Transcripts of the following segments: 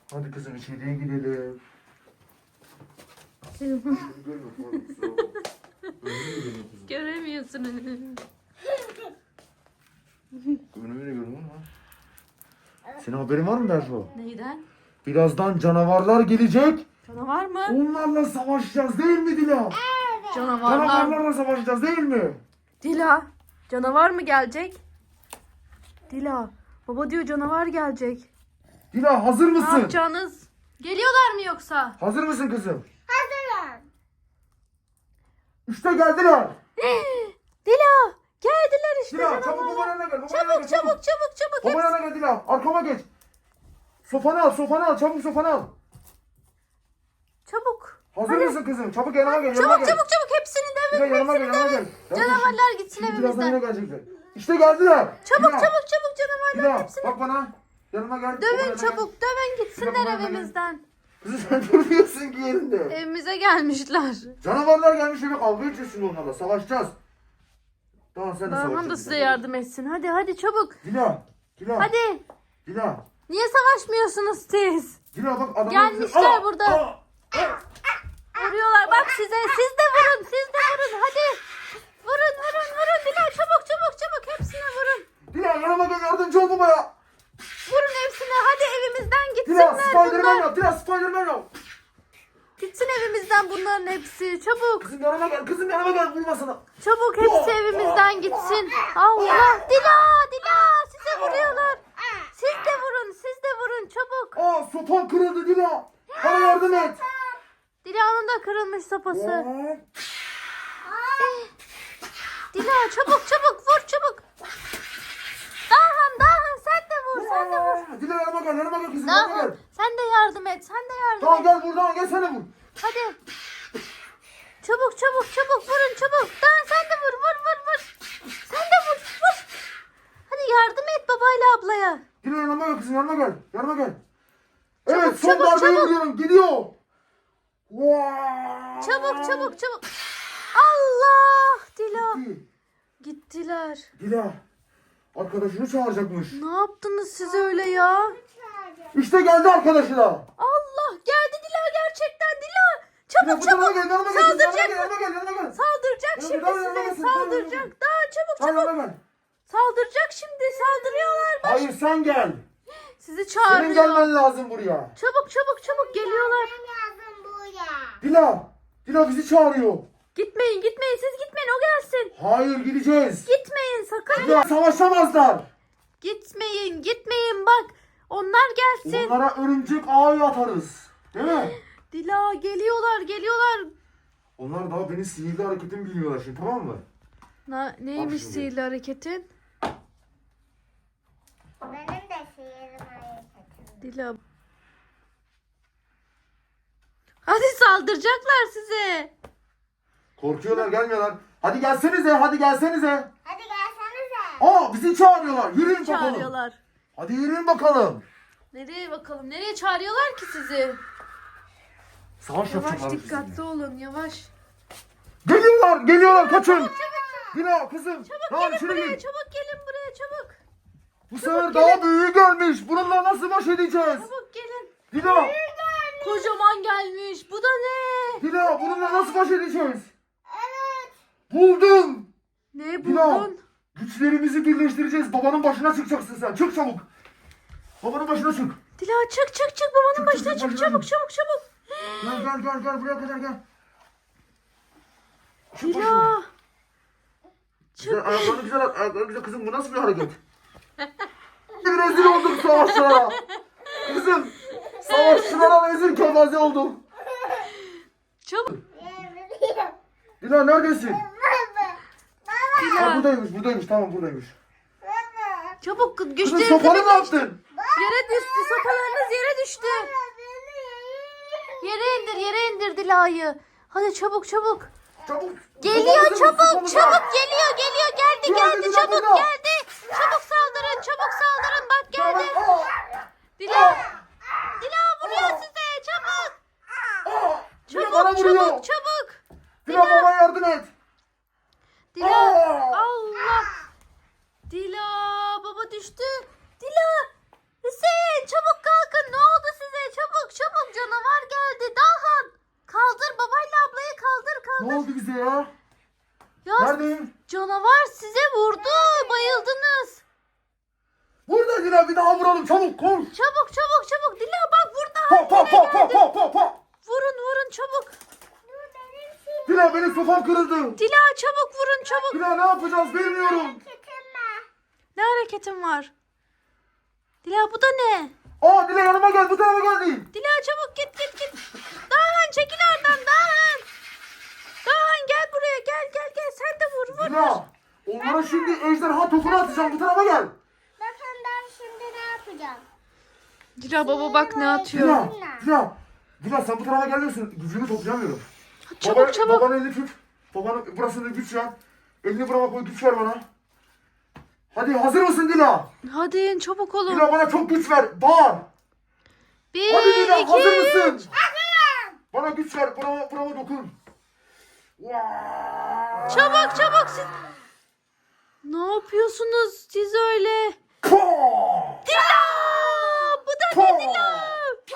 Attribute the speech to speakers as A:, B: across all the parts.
A: Hadi kızım içeriye gidelim.
B: Göremiyorsun önünü.
A: Önümü görüyorum ama. Senin haberin var mı Berfu?
B: Neyden?
A: Birazdan canavarlar gelecek.
B: Canavar mı?
A: Onlarla savaşacağız değil mi Dila?
B: Canavarlar.
A: Canavarlarla savaşacağız değil mi?
B: Dila. Canavar mı gelecek? Dila. Baba diyor canavar gelecek.
A: Dila hazır
B: Ne
A: mısın?
B: yapacağınız? Geliyorlar mı yoksa?
A: Hazır mısın kızım?
C: Hazırım.
A: İşte geldiler.
B: Dila. Geldiler işte
A: Dila çabuk
B: canavarlar.
A: babanın yanına gel. Babanın
B: Çabuk
A: yanına gel,
B: çabuk çabuk çabuk.
A: Babanın
B: Hepsi-
A: yanına gel Dila. Arkama geç. Sopanı al çabuk sopanı al.
B: Çabuk.
A: Hazır
B: Hadi.
A: mısın kızım? Çabuk yanıma gel.
B: Çabuk
A: Yanıma gel.
B: çabuk çabuk hepsini
A: Dila
B: dövün.
A: yanıma gel
B: Hepsini
A: yanıma
B: dövün.
A: gel.
B: Canavarlar gitsin
A: Şimdi birazdan yine
B: evimizden.
A: gelecekler. İşte geldiler.
B: Çabuk
A: Dila,
B: çabuk çabuk canavarlar
A: Dila
B: hepsini.
A: bak bana. Yanıma gel. Babanın
B: Dövün
A: yanına gel.
B: çabuk dövün
A: Dila,
B: gitsinler
A: babanın yanına gel.
B: evimizden.
A: Kızım sen durmuyorsun ki yerinde.
B: Evimize gelmişler.
A: Canavarlar gelmiş eve kavga edeceğiz şimdi onlarla. Savaşacağız. Tamam sen de
B: Barhan da
A: savaşacaksın.
B: size yardım etsin. Hadi hadi çabuk.
A: Dila. Dila.
B: Hadi.
A: Dila.
B: Niye savaşmıyorsunuz siz?
A: Dila bak adamlar...
B: Gelmişler burada. Vuruyorlar bak size. Siz de vurun. Siz de vurun. Hadi. Vurun vurun vurun. Dila çabuk çabuk çabuk. Hepsine vurun.
A: Dila yanıma gel yardımcı ol babaya.
B: Vurun hepsine. Hadi evimizden
A: Dila
B: gitsinler
A: Spiderman
B: bunlar.
A: yap. Dila Spiderman yap.
B: Gitsin evimizden bunların hepsi. Çabuk.
A: Kızım yanıma gel. Kızım yanıma gel. Vurma sana.
B: Çabuk hepsi evimizden gitsin. Allah. Dila. Dila. Size vuruyorlar. Siz de vurun. Siz de vurun. Çabuk.
A: Aa sopan kırıldı Dila. Bana yardım et.
B: Dila'nın da kırılmış sopası.
A: Aa,
B: Dila çabuk çabuk vur çabuk. Dahan sen de vur sen de vur.
A: Dila yanıma gel. Yanıma gel kızım. Yanıma
B: Dahan
A: gel.
B: sen de yardım et sen de yardım
A: Tamam
B: et.
A: gel buradan gel sen de vur.
B: Hadi. Çabuk çabuk çabuk vurun çabuk. Dahan sen de vur vur vur vur. Sen de vur vur. Hadi yardım et babayla ablaya.
A: Dila yanıma gel kızım. Yanıma gel. Yanıma gel.
B: Çabuk,
A: Evet son
B: çabuk,
A: darbeyi
B: çabuk.
A: vuruyorum. Gidiyor. Vaa!
B: Çabuk çabuk çabuk. Allah Dila.
A: Gitti.
B: Gittiler.
A: Dila. Arkadaşını çağıracakmış.
B: Ne yaptınız siz öyle ya?
A: İşte geldi arkadaşı da.
B: Allah geldi Dila gerçekten Dila. Çabuk
A: Dila, bu tarafa
B: çabuk.
A: gel, yanıma gel, yanıma
B: Saldıracak
A: gel,
B: mı?
A: yanıma gel, yanıma gel.
B: Saldıracak
A: Yanıma
B: şimdi
A: gel, yanıma
B: size.
A: gel, yanıma
B: Saldıracak.
A: gel.
B: Daha çabuk
A: Hayır,
B: çabuk.
A: yanıma gel.
B: Saldıracak şimdi. Saldırıyorlar. Bak.
A: Hayır sen gel.
B: Sizi
A: Senin
B: çağırıyor.
A: gelmen lazım buraya.
B: Çabuk çabuk çabuk geliyorlar.
C: Lazım buraya.
A: Dila. Dila bizi çağırıyor.
B: Gitmeyin gitmeyin siz gitmeyin o gelsin.
A: Hayır gideceğiz.
B: Gitmeyin sakın.
A: Dila savaşamazlar.
B: Gitmeyin gitmeyin bak. Onlar gelsin.
A: Onlara örümcek ağı atarız. Değil mi?
B: Dila geliyorlar geliyorlar.
A: Onlar daha benim sihirli hareketimi bilmiyorlar şimdi tamam mı?
B: Neymiş
A: şimdi.
B: sihirli hareketin?
C: Benim de sihirim hareketim.
B: Dila. Hadi saldıracaklar size.
A: Korkuyorlar gelmiyorlar. Hadi gelsenize hadi gelsenize.
C: Hadi gelsenize.
A: Aa bizi çağırıyorlar. Yürüyün bakalım.
B: Çağırıyorlar.
A: Hadi yürüyün bakalım.
B: Nereye bakalım? Nereye çağırıyorlar ki sizi?
A: Savaş
B: Yavaş
A: yapacaklar
B: dikkatli
A: sizinle.
B: olun yavaş.
A: Geliyorlar kaçın. Dila kızım. Tamam
B: Gelin
A: içeri
B: buraya
A: gir.
B: çabuk gelin buraya çabuk.
A: Bu sefer daha büyüğü gelmiş. Bununla nasıl baş edeceğiz?
B: Çabuk gelin.
A: Dila.
B: Kocaman gelmiş. Bu da ne?
A: Dila bununla nasıl baş edeceğiz?
C: Evet.
A: Buldum.
B: Ne
A: Dila.
B: buldun?
A: Güçlerimizi birleştireceğiz. Babanın başına çıkacaksın sen. Çık çabuk. Babanın başına çık.
B: Dila çık çık çık babanın
A: Çık,
B: başına
A: çık,
B: çık
A: başına
B: çabuk
A: çık.
B: çabuk çabuk.
A: Gel buraya kadar gel. Çık başına.
B: Dila.
A: Güzel, ayaklarını güzel at. Ayaklarını güzel. Kızım bu nasıl bir hareket? Rezil olduk savaşçılara. Kızım. Savaşçılara rezil kefaze olduk.
B: Çabuk.
A: Dila neredesin?
C: Baba.
A: Ha, buradaymış. Tamam buradaymış.
C: Baba.
B: Çabuk
A: Kızım
B: güçlerinizi
A: sopanı mı
B: birleştir.
A: attın?
B: Yere düştü sopalarınız yere düştü. Yere indir Dila'yı. Hadi çabuk çabuk.
A: Çabuk.
B: Geliyor
A: Sopanızı
B: çabuk
A: vur, sopanızı.
B: çabuk geliyor geldi
A: Geldi, Dila
B: çabuk
A: burada.
B: geldi. Çabuk saldırın bak geldi.
A: Aa,
B: Dila. Dila vuruyor size çabuk.
A: Dila bana
B: Çabuk
A: vuruyor.
B: çabuk çabuk.
A: Dila bana yardım et.
B: Dila
A: Aa.
B: Allah. Dila baba düştü. Dila. Hüseyin çabuk kalkın ne oldu size
A: Ne oldu bize ya?
B: Ya
A: Neredeyim?
B: canavar size vurdu. Bayıldınız.
A: Burada Dila, bir daha vuralım, çabuk koş.
B: Çabuk çabuk çabuk. Dila bak burada.
A: Pa pa pa pa pa pa pa.
B: Vurun vurun çabuk.
C: Dur benim şimdi
A: Dila, benim sofam kırıldı.
B: Dila çabuk vurun çabuk.
A: Dila, ne yapacağız bilmiyorum.
C: kitim var.
B: Ne hareketin var? Dila bu da ne?
A: Aa, Dila yanıma gel, bu tarafa geldi.
B: Dila çabuk git git git. Dağhan çekil oradan Dağhan. Dağhan gel buraya gel sen de vur vur.
A: Dila, onlara şimdi ejderha topunu atacağım, bu tarafa gel.
C: Bakın ben şimdi ne yapacağım?
B: Dila baba bak ne atıyor.
A: Dila sen bu tarafa gelmiyorsun. Gücümü toplayamıyorum.
B: Çabuk çabuk.
A: Babanın elini tut. Babanın burasında güç ver. Elini burama koy, güç ver bana. Hadi hazır mısın Dila?
B: Hadi çabuk olun.
A: Dila bana çok güç ver. Bağır.
B: Bir,
A: Hadi Dila,
B: iki,
A: hazır mısın?
B: üç.
A: Bana güç ver. Burama dokun. Vaa!
B: Çabuk çabuk siz. Ne yapıyorsunuz siz öyle?
A: Paa!
B: Dila! Bu da ne Dila?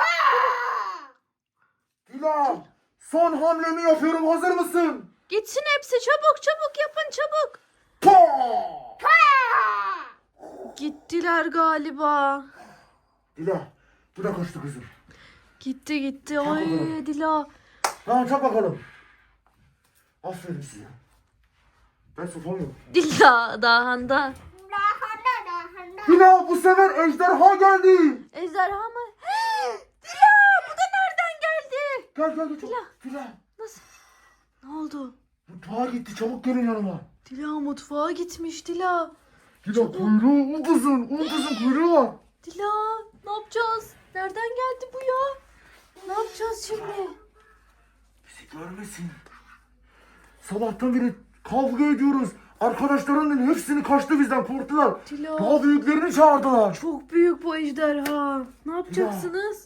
A: Dila, son hamlemi yapıyorum. Hazır mısın?
B: Gitsin hepsi çabuk çabuk yapın çabuk.
A: Paa!
B: Gittiler galiba.
A: Dila, bu da kaçtı kızım.
B: Gitti. Ay Dila.
A: Tamam, çak bakalım. Aferin size. Ben sofam yok.
B: Dila dahanda.
C: Dahanda.
A: Dila, bu sefer ejderha geldi.
B: Ejderha mı? Dila bu da nereden geldi?
A: Gel.
B: Dila.
A: Dila.
B: Nasıl? Ne oldu?
A: Mutfağa gitti. Çabuk gelin yanıma.
B: Dila mutfağa gitmiş Dila.
A: Dila, kuyruğu un kızın kuyruğu var.
B: Dila ne yapacağız? Nereden geldi bu ya? Ne yapacağız şimdi?
A: Bizi görmesin. Sabahtan beri kavga ediyoruz. Arkadaşlarının hepsini kaçtı bizden, korktular.
B: Dila.
A: Daha büyüklerini çağırdılar.
B: Çok büyük bu ejderha. Ne yapacaksınız?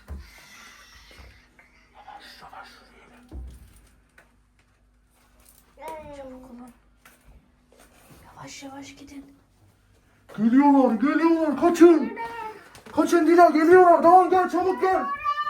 A: Yavaş
B: Yavaş gidin.
A: Geliyorlar. Kaçın. Kaçın Dila, geliyorlar. Daha gel, çabuk gel.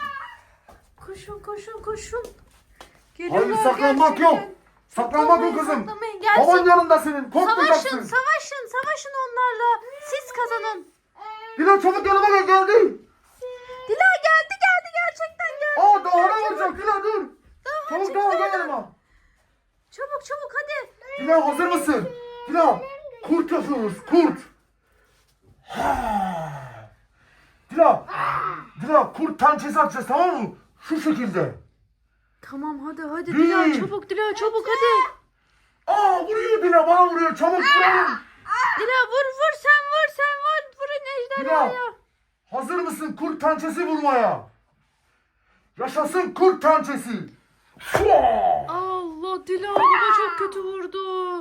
B: Koşun.
A: Hayır, saklanmak yok. Saklanmak yok kızım.
B: Saklamayın, gelsin.
A: Baban yanında senin. Korkmayacaksın.
B: Savaşın onlarla. Siz kazanın.
A: Dila, çabuk yanıma gel, geldi.
B: Dila geldi gerçekten geldi.
A: Aa, daha ne olacak Dila, dur. Çabuk daha gel yanıma.
B: Çabuk hadi.
A: Dila, hazır mısın? Dila, kurt yapıyoruz, kurt. Dila, kurt pençesi atacağız, tamam mı? Şu şekilde.
B: Tamam hadi
A: Bir.
B: Dila çabuk hadi.
A: Aa, vuruyor Dila, bana vuruyor, çabuk vurun.
B: Dila vur sen vur. Vurun ejderhaya.
A: Dila, hazır mısın kurt pençesi vurmaya? Yaşasın kurt pençesi.
B: Allah Dila baba çok kötü vurdu.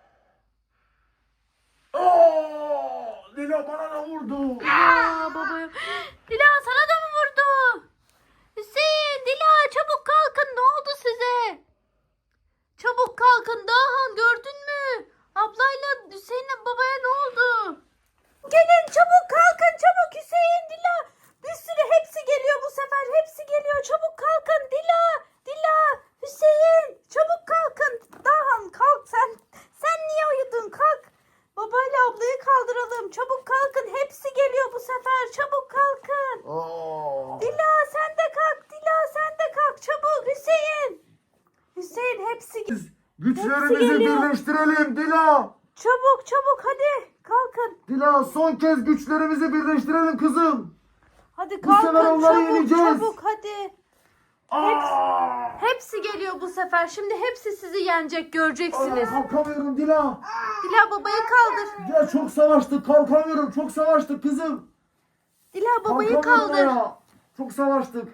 A: Aa, Dila bana da vurdu.
B: Babaya. Dila sana da mı vurdu? Hüseyin, Dila çabuk kalkın. Ne oldu size? Çabuk kalkın. Dahan gördün mü? Ablayla Hüseyin'le babaya ne oldu? Gelin çabuk kalkın çabuk Hüseyin, Dila. Bir sürü hepsi geliyor bu sefer. Hepsi geliyor. Çabuk kalkın Dila. Hüseyin çabuk kalkın. Dahan kalk sen. Sen niye uyudun? Kalk. Babayla ablayı kaldıralım. Çabuk kalkın. Hepsi geliyor bu sefer. Çabuk kalkın.
A: Aa.
B: Dila sen de kalk. Çabuk Hüseyin hepsi
A: Güçlerimizi
B: Hepsi geliyor.
A: birleştirelim Dila.
B: Çabuk hadi kalkın.
A: Dila, son kez güçlerimizi birleştirelim kızım.
B: Hadi
A: Bu sefer
B: kalkın
A: onları yeneceğiz.
B: çabuk hadi.
A: Aa.
B: Hepsi geliyor bu sefer. Şimdi hepsi sizi yenecek göreceksiniz.
A: Kalkamıyorum Dila.
B: Dila babayı kaldır.
A: Dila, çok savaştık, kalkamıyorum. Çok savaştık kızım.
B: Dila babayı
A: Kalkamıyorum
B: kaldır.
A: ya. Çok savaştık.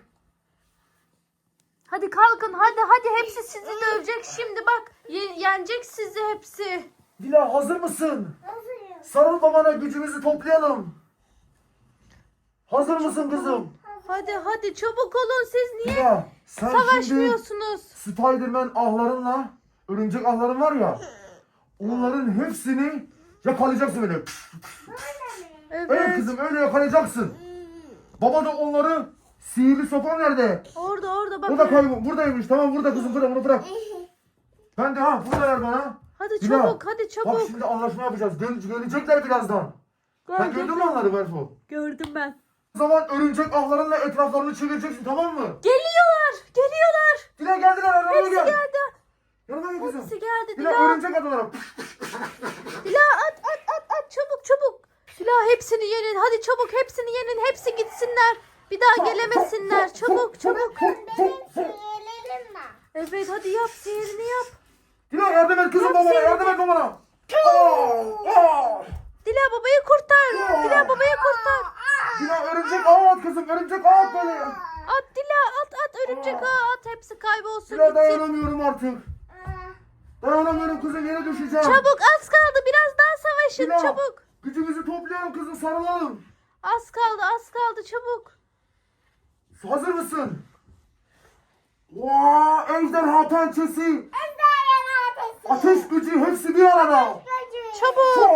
B: Hadi kalkın hadi hepsi sizi dövecek şimdi bak. Yenecek sizi hepsi.
A: Dila, hazır mısın?
C: Hazırım.
A: Sarıl babana, gücümüzü toplayalım. Hazır mısın kızım?
B: Hadi çabuk olun siz niye
A: Dila, sen şimdi
B: savaşmıyorsunuz?
A: Spiderman ahlarınla, örümcek ahların var ya, onların hepsini yakalayacaksın öyle. Evet
B: Evet.
A: kızım, öyle yakalayacaksın. Baba da onları, sihirli sopa nerede?
B: Orada
A: O da
B: bak.
A: buradaymış, tamam, burada kızım, burada, bunu bırak. Ben de buradalar bana.
B: Hadi
A: Dila,
B: çabuk hadi
A: Bak
B: çabuk.
A: şimdi anlaşma yapacağız. Gelecekler birazdan. Sen gördün mü onları Berfo?
B: Gördüm ben.
A: O zaman örümcek ahlarınla etraflarını çevireceksin, tamam mı?
B: Geliyorlar geliyorlar.
A: Dila geldiler, arabaya
B: Hepsi
A: gel.
B: geldi.
A: Yanıma gel kızım.
B: Hepsi geldi
A: Dila
B: Dila.
A: örümcek adalara.
B: Dila at çabuk çabuk. Dila hepsini yenin hadi çabuk hepsini yenin hepsi gitsinler. Bir daha gelemesinler çabuk çabuk.
C: Benim sihirlerim var.
B: Evet hadi yap sihirini yap.
A: Dila yardım et kızım babana, yardım et babana.
B: Dila babayı kurtar. Dila babayı kurtar.
A: Dila örümcek ağı at kızım, örümcek ağı at böyle.
B: At Dila at örümcek ağı at hepsi kaybolsun
A: Dila
B: gitsin.
A: dayanamıyorum artık. Dayanamıyorum kızım, yere düşeceğim.
B: Çabuk az kaldı biraz daha savaşın
A: Dila,
B: çabuk.
A: gücümüzü toplayalım kızım, sarılalım.
B: Az kaldı çabuk.
A: Hazır mısın? Ejderha pençesi,
C: Ejderha ateşi.
A: ateş gücü hepsi bir arada.
B: Çabuk.